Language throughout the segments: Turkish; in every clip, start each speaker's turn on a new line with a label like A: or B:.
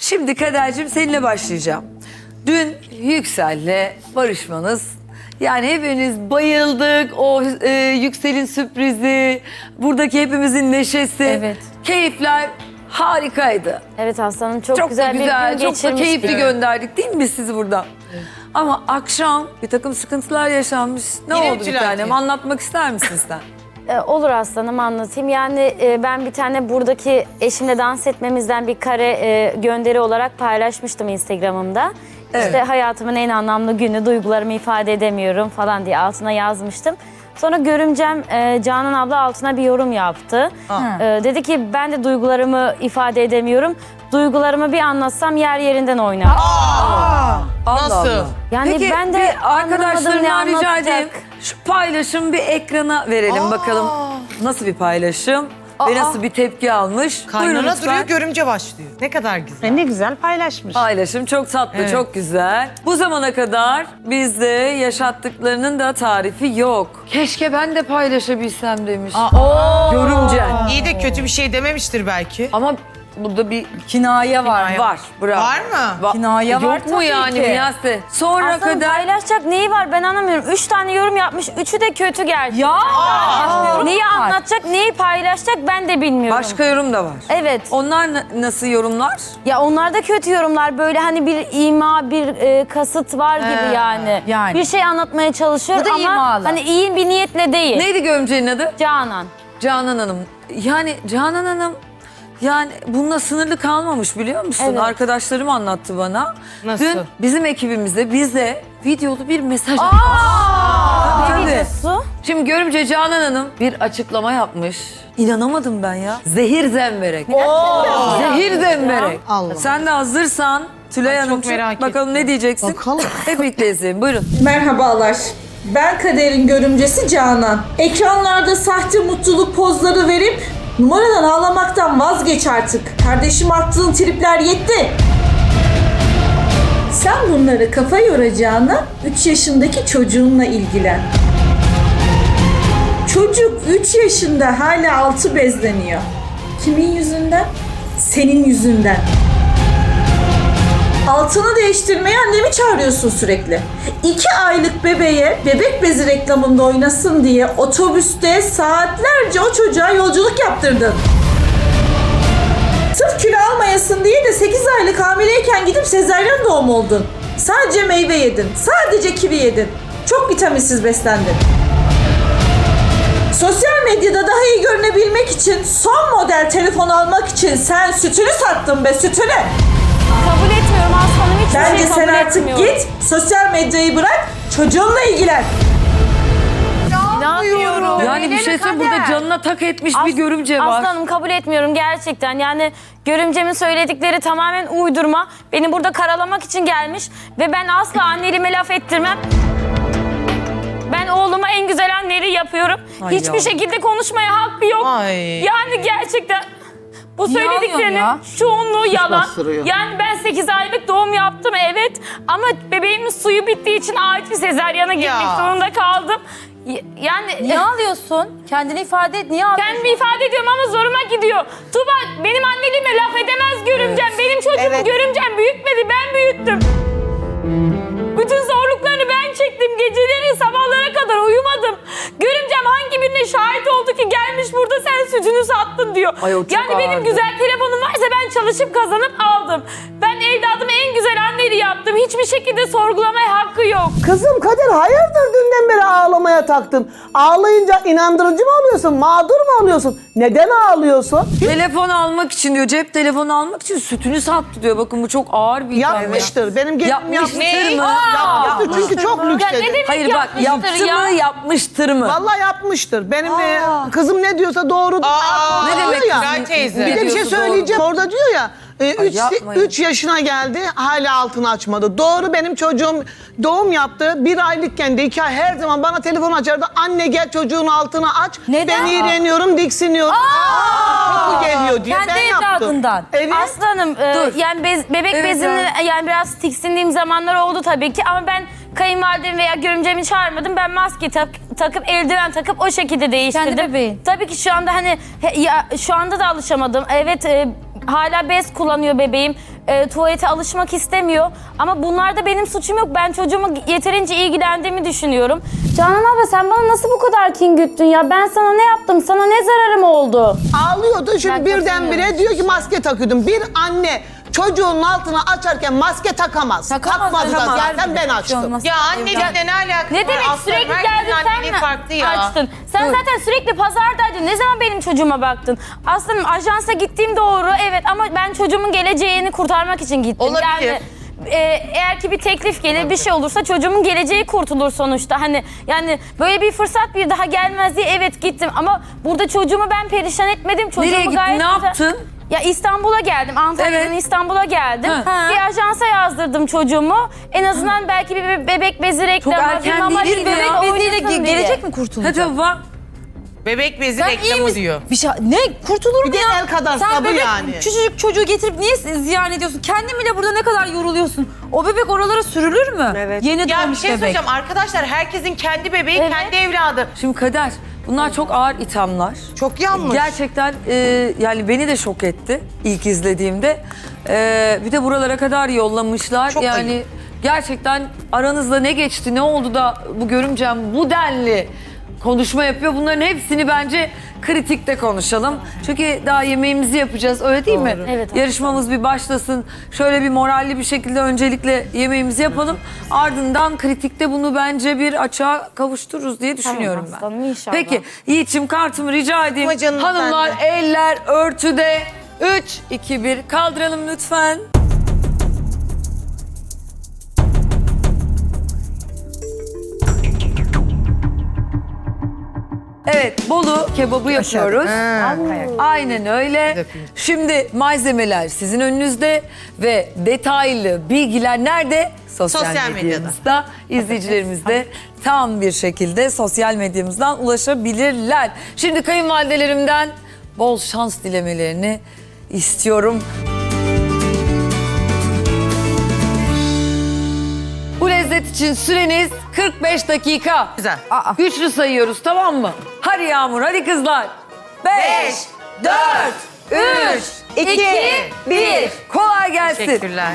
A: Şimdi Kader'cim seninle başlayacağım. Dün Yüksel'le barışmanız, yani hepimiz bayıldık. O Yüksel'in sürprizi, buradaki hepimizin neşesi,
B: Evet.
A: keyifler harikaydı.
B: Evet aslanım çok,
A: Çok
B: güzel
A: da güzel,
B: bir gün
A: çok da keyifli
B: geçirmiştik.
A: gönderdik değil mi biz sizi buradan? Ama akşam bir takım sıkıntılar yaşanmış. Ne
C: Yine
A: oldu bir
C: Tülay
A: tanem?
C: teyze.
A: Anlatmak ister misin sen?
B: Olur aslanım anlatayım. Yani ben bir tane buradaki eşimle dans etmemizden bir kare gönderi olarak paylaşmıştım Instagram'ımda.
A: Evet.
B: İşte hayatımın en anlamlı günü, duygularımı ifade edemiyorum falan diye altına yazmıştım. Sonra görümcem Canan abla altına bir yorum yaptı. Dedi ki ben de duygularımı ifade edemiyorum. Duygularımı bir anlatsam yer yerinden oynar.
A: Allah
C: Nasıl?
A: Allah.
B: Yani
A: Peki
B: ben de
A: bir
B: anlamadım ne
A: arkadaşlarımdan rica
B: anlatacak.
A: edeyim. Şu paylaşım bir ekrana verelim bakalım. Nasıl bir paylaşım ve nasıl bir tepki almış. Buyurun
C: Kaynana
A: lütfen.
C: duruyor, görümce başlıyor. Ne kadar güzel.
D: Ne güzel paylaşmış.
A: Paylaşım çok tatlı,
C: Evet.
A: çok güzel. Bu zamana kadar bizde yaşattıklarının da tarifi yok. Keşke ben de paylaşabilsem demiş. Görümcen.
C: İyi de kötü bir şey dememiştir belki.
A: Ama burada bir
D: Kinaye var.
A: var. Bravo.
C: Var mı?
D: Kinaye
A: Yok
D: var
A: mu
D: tabii
A: yani
D: ki.
A: Miyase? Sonra
B: Aslanım
A: kadar
B: paylaşacak neyi var ben anlamıyorum. 3 tane yorum yapmış, 3'ü de kötü gerçekten.
D: Ya.
B: Neyi anlatacak, neyi paylaşacak ben de bilmiyorum.
A: başka yorum da var.
B: Evet.
A: Onlar nasıl yorumlar?
B: Ya onlar da kötü yorumlar. Böyle hani bir ima, bir kasıt var gibi yani.
D: Yani.
B: Bir şey anlatmaya çalışıyor
D: Bu da
B: ama
D: imalı.
B: hani iyi bir niyetle değil.
A: Neydi gömceğin adı?
B: Canan.
A: Canan Hanım. Yani Canan Hanım yani bununla sınırlı kalmamış biliyor musun?
B: Evet.
A: Arkadaşlarım anlattı bana.
C: Nasıl?
A: Dün bizim ekibimizde bize videolu bir mesaj
B: Ne
A: Tabii.
B: videosu?
A: Şimdi görümce Canan Hanım bir açıklama yapmış. İnanamadım ben ya. Zehir zemberek. Zehir zemberek.
C: Allah.
A: Sen de hazırsan Tülay
C: Ay, çok
A: Hanımcığım
C: merak
A: bakalım ne diyeceksin?
C: Bakalım.
A: Hep birlikte izleyin. Buyurun.
E: Merhabalar. Ben Kader'in görümcesi Canan. Ekranlarda sahte mutluluk pozları verip numaradan ağlamaktan vazgeç artık. Kardeşim attığın tripler yetti. Sen bunları kafa yoracağına 3 yaşındaki çocuğunla ilgilen. Çocuk 3 yaşında hala altı bezleniyor. Kimin yüzünden? Senin yüzünden. Altını değiştirmeye annemi çağırıyorsun sürekli. 2 aylık bebeğe bebek bezi reklamında oynasın diye otobüste saatlerce o çocuğa yolculuk yaptırdın. Sırf kilo almayasın diye de 8 aylık hamileyken gidip sezaryen doğum oldun. Sadece meyve yedin, sadece kivi yedin. Çok vitaminsiz beslendin. Sosyal medyada daha iyi görünebilmek için, son model telefon almak için sen sütünü sattın be, sütünü.
B: Kabul etmiyorum aslanım hiçbir
E: Bence
B: şey kabul
E: sen artık
B: etmiyorum.
E: git, sosyal medyayı bırak, çocuğunla ilgilen.
B: İnanmıyorum.
A: Yani bir şey söyleyeyim, burada canına tak etmiş bir görümce var.
B: Aslanım kabul etmiyorum gerçekten. Yani görümcemin söyledikleri tamamen uydurma. Beni burada karalamak için gelmiş ve ben asla anneliğime laf ettirmem. Ben oğluma en güzel anneliği yapıyorum.
A: Ay
B: Hiçbir
A: yavrum.
B: şekilde konuşmaya hakkı yok.
C: Ay.
B: Yani gerçekten bu
D: Niye
B: söylediklerinin
D: ağlıyorsun
B: çoğunluğu yalan.
F: bastırıyor.
B: Yani ben 8 aylık doğum yaptım evet. Ama bebeğimin suyu bittiği için acil sezaryana gitmek
C: Ya.
B: zorunda kaldım. Yani
D: Niye ağlıyorsun? Kendini ifade et. Niye ağlıyorsun?
B: kendimi ifade ediyorum ama zoruma gidiyor. Tuba benim anneliğime laf edemez görümcem. Benim çocuğumu görümcem büyütmedi, ben büyüttüm. Bütün zorluklarını ben çektim. Geceleri sabahlara kadar uyumadım. Görümcem hangi birine şahit oldu ki gelmiş burada sen sütünü sattın diyor.
A: Ay, o çok
B: Yani benim
A: ağırdı.
B: güzel telefonum varsa ben çalışıp kazanıp aldım. Ben evladıma en güzel anneliği yaptım. Hiçbir şekilde sorgulamaya hakkı yok.
F: Kızım Kadir hayırdır dünden beri ağlamaya taktın? Ağlayınca inandırıcı mı oluyorsun? Mağdur mu oluyorsun? Neden ağlıyorsun?
A: Telefon almak için diyor, cep telefonu almak için sütünü sattı diyor. Bakın bu çok ağır bir itham.
F: Yapmıştır. Benim gelinim
A: Yapmıştır
F: yapmıştır.
A: mı?
F: Yapmıştır çünkü çok lüks
B: Ya ne
F: dedi.
B: demek
A: Hayır bak,
B: yapmıştır
A: yaptı mı, yapmıştır mı?
F: Vallahi yapmıştır. Benim kızım ne diyorsa doğru.
A: Ne demek
F: ya?
C: Tülay teyze.
F: Bir de bir şey
A: Diyorsa
F: söyleyeceğim. Orada diyor ya
A: yapmayın.
F: 3 yaşına geldi hala altını açmadı. Doğru, benim çocuğum doğum yaptı. 1 aylıkken de 2 ay her zaman bana telefon açardı. Anne gel çocuğun altını aç.
D: Neden?
F: Ben iğreniyorum, diksiniyorum. Koku geliyor diye.
D: Kendi
F: Ben yaptım.
D: evladından.
F: Evet.
B: Aslanım yani bebek
A: Evet,
B: bezini yani biraz tiksindiğim zamanlar oldu tabii ki ama ben kayınvalidemi veya görümcemi çağırmadım. Ben maske takıp eldiven takıp o şekilde değiştirdim.
D: Kendi bebeğin.
B: Tabii ki şu anda hani şu anda da alışamadım. Evet hala bez kullanıyor bebeğim. tuvalete alışmak istemiyor. Ama bunlarda benim suçum yok. Ben çocuğumu yeterince ilgilendiğimi düşünüyorum. Canan abla sen bana nasıl bu kadar kin güttün ya? Ben sana ne yaptım? Sana ne zararım oldu?
F: Ağlıyordu
B: Ben
F: şimdi birdenbire
B: katılıyorum.
F: diyor ki maske takıyordum. Bir anne çocuğunun altına açarken maske takamaz. Takmadı da zaten ben açtım.
C: Ya annelikle ne alakası
B: Ne
C: var?
B: demek
C: Aslanım,
B: sürekli
C: herkesin
B: geldin
C: anneliği
B: sen
C: farklı ya.
B: açtın. Sen zaten sürekli pazardaydın. Ne zaman benim çocuğuma baktın? Aslında ajansa gittiğim doğru evet ama ben çocuğumun geleceğini kurtarmak için gittim.
C: Olabilir.
B: Yani eğer ki bir teklif gelir bir şey olursa çocuğumun geleceği kurtulur sonuçta. Hani yani böyle bir fırsat bir daha gelmez diye evet gittim ama burada çocuğumu ben perişan etmedim. Çocuğumu
A: Nereye gittin,
B: gayet
A: ne
B: güzel-
A: yaptın?
B: Ya İstanbul'a geldim. Antalya'dan
A: Evet.
B: İstanbul'a geldim.
A: Ha.
B: Bir ajansa yazdırdım çocuğumu. En azından belki bir bebek bezi reklamı,
A: erken
B: mama
A: değil mi
B: reklamı
A: ya?
B: oynasın
D: Beziyle
B: diye.
D: gelecek mi kurtulacak?
A: Hadi bak.
C: Bebek bezi
D: Sen iyi
C: reklamı
D: misin?
C: diyor.
D: Bir şey, ne kurtulur mu
F: Bir de
D: ya?
F: el kadar
D: Sen
F: sabı
D: bebek,
F: yani.
D: küçücük çocuğu getirip niye ziyan ediyorsun? Kendin bile burada ne kadar yoruluyorsun. O bebek oralara sürülür mü?
G: Evet.
D: Yeni
C: Ya bir
D: doğmuş
C: şey
D: bebek.
C: söyleyeceğim arkadaşlar herkesin kendi bebeği
B: Evet.
C: kendi evladı.
A: Şimdi Kader, bunlar çok ağır ithamlar.
C: Çok yanlış.
A: Gerçekten yani beni de şok etti ilk izlediğimde. Bir de buralara kadar yollamışlar.
C: Çok
A: yani
C: ayıp.
A: gerçekten aranızda ne geçti, ne oldu da bu görümcem bu denli konuşma yapıyor. Bunların hepsini bence kritikte konuşalım. Çünkü daha yemeğimizi yapacağız öyle değil mi?
B: Evet.
A: Yarışmamız bir başlasın. Şöyle bir moralli bir şekilde öncelikle yemeğimizi yapalım. Ardından kritikte bunu bence bir açığa kavuştururuz diye düşünüyorum ben.
B: aslanım, inşallah.
A: Peki Yiğit'ciğim kartımı rica edeyim.
C: Ama canım
A: Hanımlar
C: sen
A: eller örtüde. 3, 2, 1 kaldıralım lütfen. Evet, Bolu kebabı yapıyoruz. Aynen öyle. Şimdi malzemeler sizin önünüzde ve detaylı bilgiler nerede? Sosyal
C: Sosyal
A: medyamızda. İzleyicilerimiz de tam bir şekilde sosyal medyamızdan ulaşabilirler. Şimdi kayınvalidelerimden bol şans dilemelerini istiyorum. Bu lezzet için süreniz 45 dakika.
C: Güzel.
A: Güçlü sayıyoruz tamam mı? Hadi Yağmur, hadi kızlar. 5, 4, 3, 2, 1. Kolay gelsin.
C: Teşekkürler.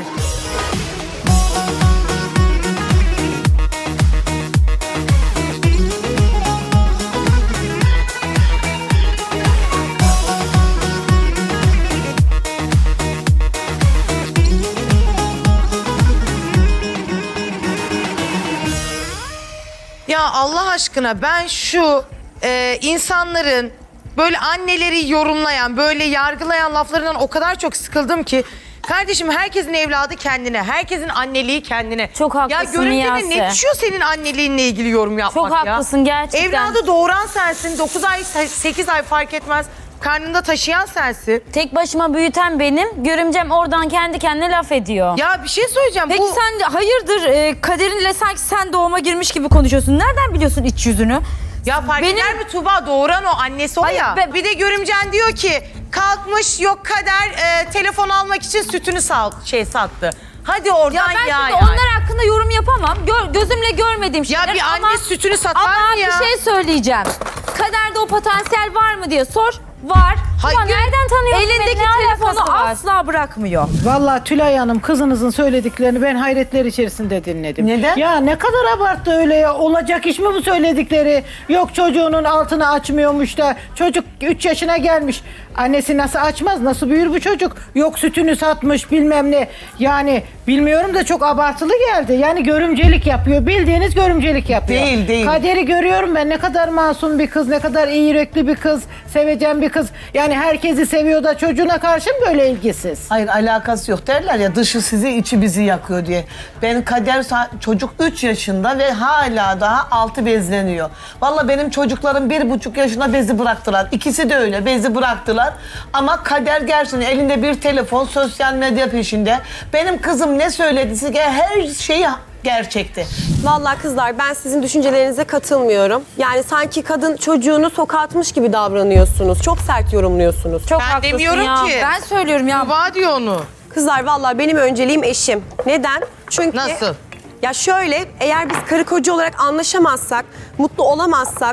C: Ya Allah aşkına ben şu insanların böyle anneleri yorumlayan, böyle yargılayan laflarından o kadar çok sıkıldım ki. Kardeşim herkesin evladı kendine, herkesin anneliği kendine.
B: Çok haklısın
C: Ya görümcenin
B: Miyase.
C: ne düşüyor senin anneliğinle ilgili yorum yapmak
B: Çok
C: ya?
B: haklısın gerçekten.
C: Evladı doğuran sensin, 9 ay, 8 ay fark etmez. Karnında taşıyan sensin.
B: Tek başıma büyüten benim. Görümcem oradan kendi kendine laf ediyor.
C: Ya bir şey söyleyeceğim.
D: Peki
C: bu...
D: sen hayırdır kaderinle sanki sen doğuma girmiş gibi konuşuyorsun. Nereden biliyorsun iç yüzünü?
C: Ya fark
D: Benim-
C: eder mi Tuğba doğuran o annesi o
D: Hayır,
C: ya. Bir de görümcen diyor ki kalkmış yok Kader telefon almak için sütünü sattı. Hadi oradan
D: Ya ben
C: ya.
D: şimdi onlar hakkında yorum yapamam. Gözümle görmediğim
C: Ya
D: şeyler
C: bir
D: ama...
C: anne sütünü satar
D: Ama
C: mı ya?
D: bir şey söyleyeceğim. Kaderde o potansiyel var mı diye sor. Var.
C: Hayır.
D: Ama nereden tanıyorsun?
B: Elindeki
D: beni? Ne
B: telefonu
D: alakası var?
B: asla
D: bırakmıyor.
H: Vallahi Tülay Hanım kızınızın söylediklerini ben hayretler içerisinde dinledim.
F: Neden?
H: Ya ne kadar abarttı öyle ya. Olacak iş mi bu söyledikleri? Yok çocuğunun altını açmıyormuş da çocuk 3 yaşına gelmiş. Annesi nasıl açmaz? Nasıl büyür bu çocuk? Yok sütünü satmış bilmem ne. Yani bilmiyorum da çok abartılı geldi. Yani görümcelik yapıyor. Bildiğiniz görümcelik yapıyor.
F: Değil, değil.
H: Kader'i görüyorum ben. Ne kadar masum bir kız, ne kadar iyi yürekli bir kız, sevecen bir kız. Yani herkesi seviyor da çocuğuna karşı mı böyle ilgisiz?
F: Hayır alakası yok derler ya dışı sizi içi bizi yakıyor diye. Ben Kader çocuk 3 yaşında ve hala daha altı bezleniyor. Vallahi benim çocuklarım 1,5 yaşında bezi bıraktılar. İkisi de öyle bezi bıraktılar. Ama Kader gerçekten elinde bir telefon sosyal medya peşinde. Benim kızım ne söylediyse her şeyi gerçekti.
G: Vallahi kızlar ben sizin düşüncelerinize katılmıyorum. Yani sanki kadın çocuğunu sokağa atmış gibi davranıyorsunuz. Çok sert yorumluyorsunuz.
B: Çok
C: Ben
B: haklısın
C: demiyorum
B: ya.
C: ki.
D: Ben söylüyorum ya.
C: Tuğba diyor onu.
G: Kızlar vallahi benim önceliğim eşim. Neden? Çünkü
C: Nasıl?
G: ya şöyle eğer biz karı koca olarak anlaşamazsak, mutlu olamazsak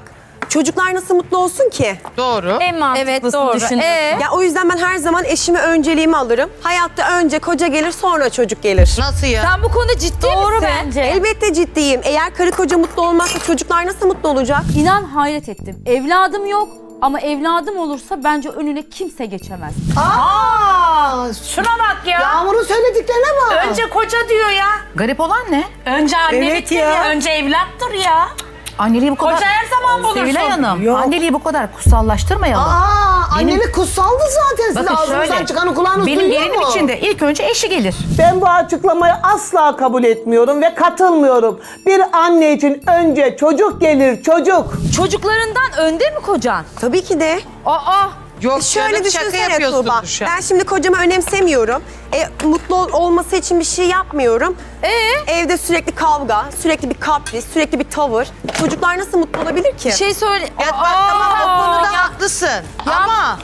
G: Çocuklar nasıl mutlu olsun ki?
C: Doğru.
B: En mantıklısını
D: doğru.
B: düşündüm.
G: Ya o yüzden ben her zaman eşime önceliğimi alırım. Hayatta önce koca gelir, sonra çocuk gelir.
C: Nasıl ya?
D: Sen bu konuda ciddi
B: Doğru
D: misin?
B: bence.
G: Elbette ciddiyim. Eğer karı koca mutlu olmazsa çocuklar nasıl mutlu olacak?
I: İnan hayret ettim. Evladım yok ama evladım olursa bence önüne kimse geçemez.
H: Şuna bak ya.
F: Yağmur'un söylediklerine bak.
H: Önce koca diyor ya.
J: Garip olan ne?
H: Önce annelik
J: Evet
H: ya.
J: ya.
H: Önce evlattır ya.
J: Anneliği bu kadar...
H: Koca her zaman bulursun.
J: Sevilay Hanım,
H: Yok.
J: anneliği bu kadar kutsallaştırmayalım.
F: Annelik kutsaldı zaten. Siz
J: Bakın
F: ağzınızdan
J: şöyle,
F: çıkanı kulağınız
J: benim
F: duyuyor
J: gelinim
F: mu?
J: için de ilk önce eşi gelir.
F: Ben bu açıklamayı asla kabul etmiyorum ve katılmıyorum. Bir anne için önce çocuk gelir, çocuk.
D: Çocuklarından önde mi kocan?
G: Tabii ki de.
C: Yok
G: Şöyle
C: canım, şaka
G: düşünsene
C: yapıyorsun
G: Tuğba.
C: şu an.
G: Ben şimdi kocamı önemsemiyorum. Mutlu olması için bir şey yapmıyorum. Evde sürekli kavga, sürekli bir kapris, sürekli bir tavır. Çocuklar nasıl mutlu olabilir ki?
D: Bir şey söyle.
C: Ya bak tamam o konuda haklısın. Ama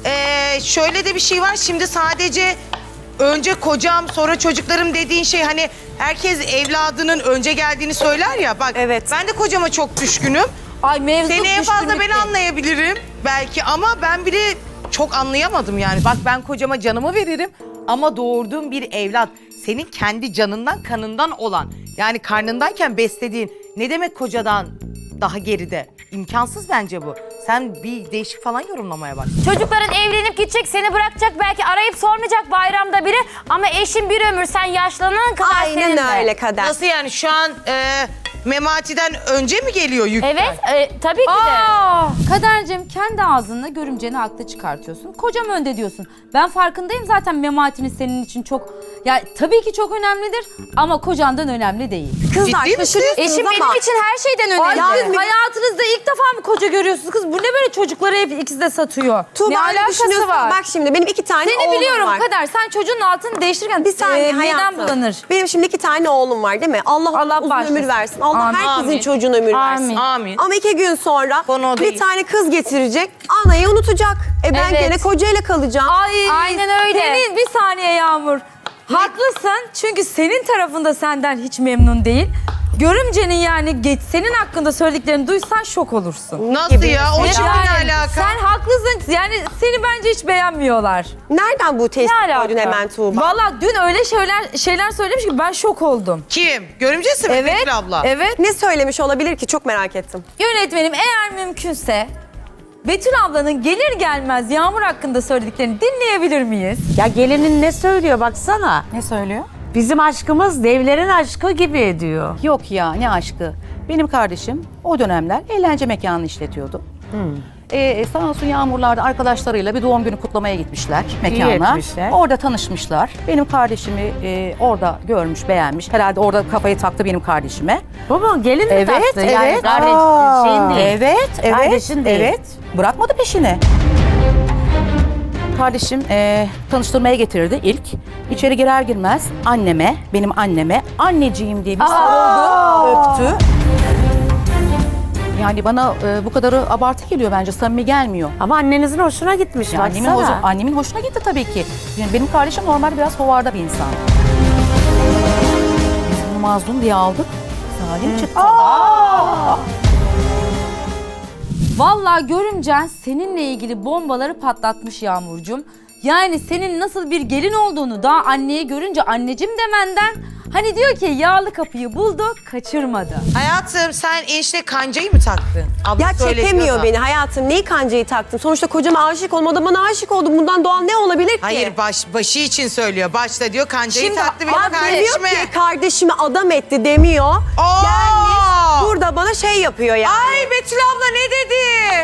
C: şöyle de bir şey var. Şimdi sadece önce kocam sonra çocuklarım dediğin şey hani herkes evladının önce geldiğini söyler ya. Bak
G: Evet.
C: ben de kocama çok düşkünüm.
D: Ay mevzu
C: Seni en fazla ben
D: düşkünlükte.
C: anlayabilirim belki ama ben bile çok anlayamadım yani. Bak ben kocama canımı veririm ama doğurduğum bir evlat senin kendi canından kanından olan yani karnındayken beslediğin ne demek kocadan daha geride? İmkansız bence bu. Sen bir değişik falan yorumlamaya bak.
B: Çocukların evlenip gidecek, seni bırakacak, belki arayıp sormayacak bayramda biri. Ama eşin bir ömür, sen yaşlanana kadar senin
G: Aynen
B: de.
G: öyle Kader.
C: Nasıl yani şu an Memati'den önce mi geliyor yük?
B: Evet, tabii ki de.
I: Kadercim kendi ağzınla görümceni haklı çıkartıyorsun. Kocam önde diyorsun. Ben farkındayım zaten Memati'nin senin için çok... Ya tabii ki çok önemlidir ama kocandan önemli değil.
G: Kızlar
C: Ciddi misin?
G: şaşırıyorsunuz
D: Eşim
G: ama
D: benim için her şeyden önemli.
G: Ay,
D: Siz hayatınızda ilk defa mı koca görüyorsunuz kız? Bu ne böyle çocukları hep ikisi de satıyor?
G: Tuğba
D: ne
G: öyle
D: alakası
G: düşünüyorsun.
D: var?
G: Bak şimdi benim 2 tane
D: Seni
G: oğlum
D: biliyorum
G: var.
D: Kader. Sen çocuğun altını değiştirirken
G: Bir saniye
D: midem
G: hayatım.
D: bulanır.
G: Benim şimdi 2 tane oğlum var değil mi? Allah uzun
D: bağışlasın.
G: ömür versin. Allah
D: Amin.
G: herkesin
C: Amin.
G: çocuğuna ömür versin.
C: Amin.
G: Ama 2 gün sonra
C: Konu o
G: bir
C: değil.
G: tane kız getirecek. Anayı unutacak. Ben
D: Evet.
G: gene kocayla kalacağım.
D: Ay,
B: Aynen öyle.
D: Senin bir saniye Yağmur. Haklısın çünkü senin tarafında senden hiç memnun değil. Görümcenin yani senin hakkında söylediklerini duysan şok olursun.
C: Nasıl ya? O
D: Evet,
C: şimdi
D: yani
C: ne alaka?
D: Sen haklısın. Yani seni bence hiç beğenmiyorlar.
G: Nereden bu tespit
B: Ne alaka?
G: koydun hemen Tuğba?
D: Valla dün öyle şeyler söylemiş ki ben şok oldum.
C: Kim? Görümcesi mi
D: Evet.
C: Betül abla?
D: Evet.
G: Ne söylemiş olabilir ki? Çok merak ettim.
D: Yönetmenim eğer mümkünse Betül ablanın gelir gelmez Yağmur hakkında söylediklerini dinleyebilir miyiz?
K: Ya gelinin ne söylüyor baksana.
J: Ne söylüyor?
K: Bizim aşkımız devlerin aşkı gibi diyor.
J: Yok ya, ne aşkı. Benim kardeşim o dönemler eğlence mekanını işletiyordu. Sağ olsun Yağmurlar'da arkadaşlarıyla bir doğum günü kutlamaya gitmişler mekana.
K: etmişler.
J: Orada tanışmışlar. Benim kardeşimi orada görmüş, beğenmiş. Herhalde orada kafayı taktı benim kardeşime.
K: Bu mu? Gelin mi
J: Evet,
K: taktı? Yani
J: evet.
K: kardeş, şeyin değil.
J: Evet,
K: Kardeşin değil.
J: evet. Bırakmadı peşini. Kardeşim tanıştırmaya getirdi ilk. İçeri girer girmez anneme, benim anneme anneciğim diye bir sarıldı, öptü. Yani bana bu kadarı abartı geliyor bence, samimi gelmiyor.
K: Ama annenizin hoşuna gitmiş
J: Yani
K: baksana.
J: annemin hoşuna gitti tabii ki. Yani benim kardeşim normal biraz hovarda bir insan. Biz bunu mazlum diye aldık. Zalim çıktı.
I: Vallahi görümcen seninle ilgili bombaları patlatmış Yağmurcuğum. Yani senin nasıl bir gelin olduğunu daha anneye görünce anneciğim demenden hani diyor ki yağlı kapıyı buldu, kaçırmadı.
C: Hayatım sen enişte kancayı mı taktın? Abla
G: Ya
C: söyledi
G: çekemiyor
C: diyor da.
G: beni hayatım. Neyi kancayı taktım? Sonuçta kocama aşık olmadı. O da bana aşık oldu. Bundan doğal ne olabilir ki?
C: Hayır başı için söylüyor. Başta diyor kancayı taktı benim
G: Abi demiyor
C: kardeşime.
G: ki kardeşimi adam etti demiyor.
C: Aa!
G: Burada bana şey yapıyor yani.
C: Ay Betül abla ne dedi?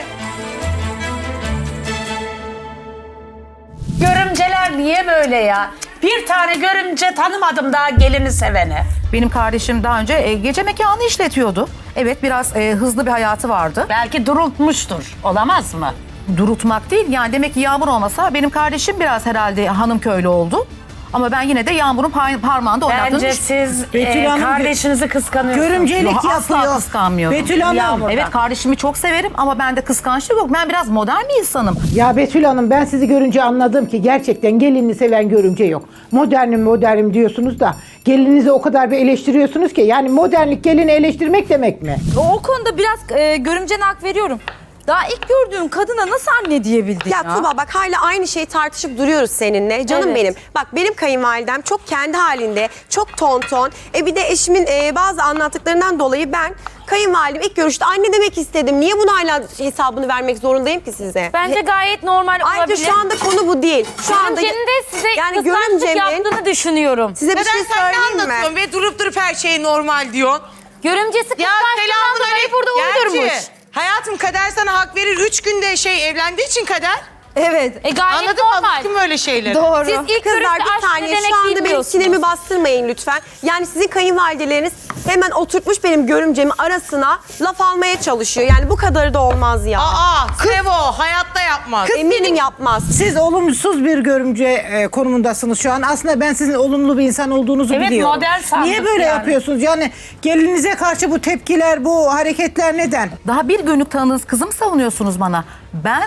H: Görümceler niye böyle ya? Bir tane görümce tanımadım daha gelini sevene.
J: Benim kardeşim daha önce gece mekanı işletiyordu. Evet, biraz hızlı bir hayatı vardı.
H: Belki durultmuştur. Olamaz mı?
J: Durutmak değil, yani demek ki Yağmur olmasa benim kardeşim biraz herhalde hanım köylü oldu. Ama ben yine de Yağmur'un parmağında oynattığını
K: Bence siz
H: Betül Hanım
K: kardeşinizi kıskanıyorsunuz.
H: Görümcelik
J: asla
H: yapıyor.
J: kıskanmıyorum.
H: Betül Hanım.
J: Evet, kardeşimi çok severim ama bende kıskançlık yok. Ben biraz modern bir insanım.
H: Ya Betül Hanım, ben sizi görünce anladım ki gerçekten gelinini seven görümce yok. Modernim diyorsunuz da gelininizi o kadar bir eleştiriyorsunuz ki, yani modernlik gelini eleştirmek demek mi?
D: O konuda biraz görümcene hak veriyorum. Daha ilk gördüğüm kadına nasıl anne diyebildin ya?
G: Ya Tuba bak hala aynı şeyi tartışıp duruyoruz seninle. Canım
D: Evet.
G: benim. Bak benim kayınvalidem çok kendi halinde, çok tonton. Bir de eşimin bazı anlattıklarından dolayı ben kayınvalidem ilk görüşte anne demek istedim. Niye bunu hala hesabını vermek zorundayım ki size?
B: Bence gayet normal olabilir.
G: Ayrıca şu anda konu bu değil. Şu anda
B: Görümcenin de size
G: yani
B: kıskançlık
G: görümcemin
B: yaptığını düşünüyorum.
G: size bir şey söyleyeyim mi?
C: Ve durup her şey normal diyorsun?
B: Görümcesi kıskançlığından dolayı burada uydurmuş.
C: Hayatım, Kader sana hak verir. 3 günde evlendiği için Kader.
D: Evet.
B: Gayet
C: Anladın mı?
B: normal.
C: Alışkın böyle şeyleri.
D: Doğru.
B: Siz ilk
G: Kızlar
B: görüşte
G: bir
B: aşk
G: saniye
B: ne demek
G: şu anda benim
B: bilmiyorsunuz.
G: sinirimi bastırmayın lütfen. Yani sizin kayınvalideleriniz hemen oturtmuş benim görümcemin arasına laf almaya çalışıyor. Yani bu kadarı da olmaz ya.
C: Sevo hayatta yapmaz.
G: Eminim yapmaz.
H: Siz olumsuz bir görümce konumundasınız şu an. Aslında ben sizin olumlu bir insan olduğunuzu
K: Evet,
H: biliyorum.
K: modern sandık
H: Niye böyle
K: yani.
H: yapıyorsunuz? Yani gelinize karşı bu tepkiler, bu hareketler neden?
J: Daha bir günlük tanıdığınız kızım savunuyorsunuz bana. Ben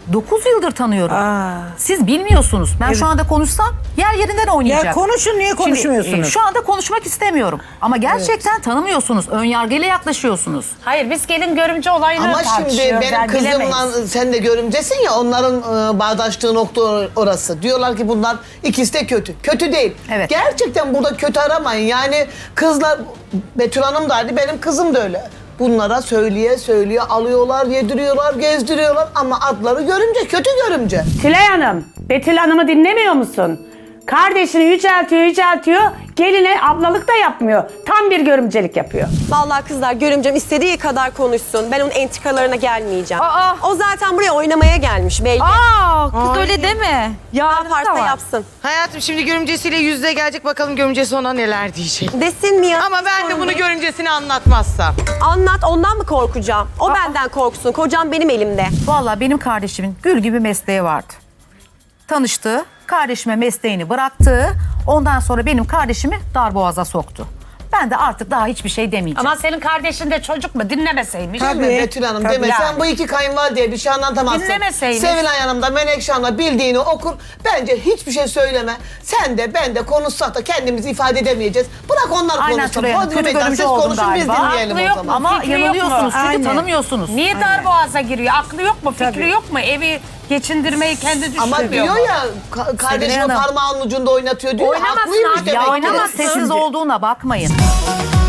J: 9 yıldır tanıyorum. Siz bilmiyorsunuz. Ben şu anda konuşsam yer yerinden oynayacak.
H: Ya konuşun, niye konuşmuyorsunuz?
J: Şimdi, şu anda konuşmak istemiyorum. Ama gerçekten tanımıyorsunuz. Önyargıyla yaklaşıyorsunuz.
K: Hayır, biz gelin görümce olayını
F: Ama şimdi
K: tartışıyoruz.
F: benim
K: yani bilemeyiz.
F: kızımla sen de görümcesin ya, onların bağdaştığı nokta orası. Diyorlar ki bunlar ikisi de kötü. Kötü değil.
J: Evet.
F: Gerçekten burada kötü aramayın. Yani kızlar, Betül Hanım da hadi benim kızım da öyle. Bunlara söyleye alıyorlar, yediriyorlar, gezdiriyorlar ama adları görümce, kötü görümce.
K: Tülay Hanım, Betül Hanım'ı dinlemiyor musun? Kardeşini yüceltiyor, geline ablalık da yapmıyor. Tam bir görümcelik yapıyor.
G: Vallahi kızlar görümcem istediği kadar konuşsun. Ben onun entikalarına gelmeyeceğim.
D: Aa.
G: O zaten buraya oynamaya gelmiş belli.
D: Kız öyle deme.
G: Ne yaparsa yapsın.
C: Hayatım, şimdi görümcesiyle yüzde gelecek, bakalım görümcesi ona neler diyecek.
G: Desin mi ya?
C: Ama ben de bunu görümcesine anlatmazsam.
G: Anlat, ondan mı korkacağım? O benden korksun. Kocam benim elimde.
J: Vallahi benim kardeşimin gül gibi mesleği vardı. Tanıştı, kardeşime mesleğini bıraktı. Ondan sonra benim kardeşimi darboğaza soktu. Ben de artık daha hiçbir şey demeyeceğim.
K: Ama senin kardeşin de çocuk mu? Dinlemeseymiş.
F: Tabii Betül Hanım deme.
K: Yani.
F: Sen bu iki kayınvalideye bir şey anlatamazsın.
K: Dinlemeseymiş.
F: Sevilay Hanım da Menekşe Hanım da bildiğini okur. Bence hiçbir şey söyleme. Sen de ben de konuşsak da kendimizi ifade edemeyeceğiz. Bırak onlar
J: Aynen
F: konuşsun.
J: Tülay Hanım,
F: Hodri
J: kötü
F: meydan,
J: görümce
F: siz
J: oldum
F: konuşun biz
J: galiba.
F: dinleyelim
K: Aklı
F: o
K: yok
F: zaman.
K: mu?
J: Ama
K: Fikri yok
J: yanılıyorsunuz
K: mu?
J: çünkü
H: Aynen.
J: tanımıyorsunuz.
K: Niye darboğaza giriyor? Aklı yok mu? Fikri yok mu? Evi geçindirmeyi kendi düşünüyor
F: Ama diyor
K: mu?
F: ya kardeşimi
J: Hanım.
F: parmağının ucunda oynatıyor diyor.
K: Oynamasın
F: Haklıymış
K: abi,
F: demek
J: Ya
F: ki.
J: oynamaz, sessiz olduğuna bakmayın.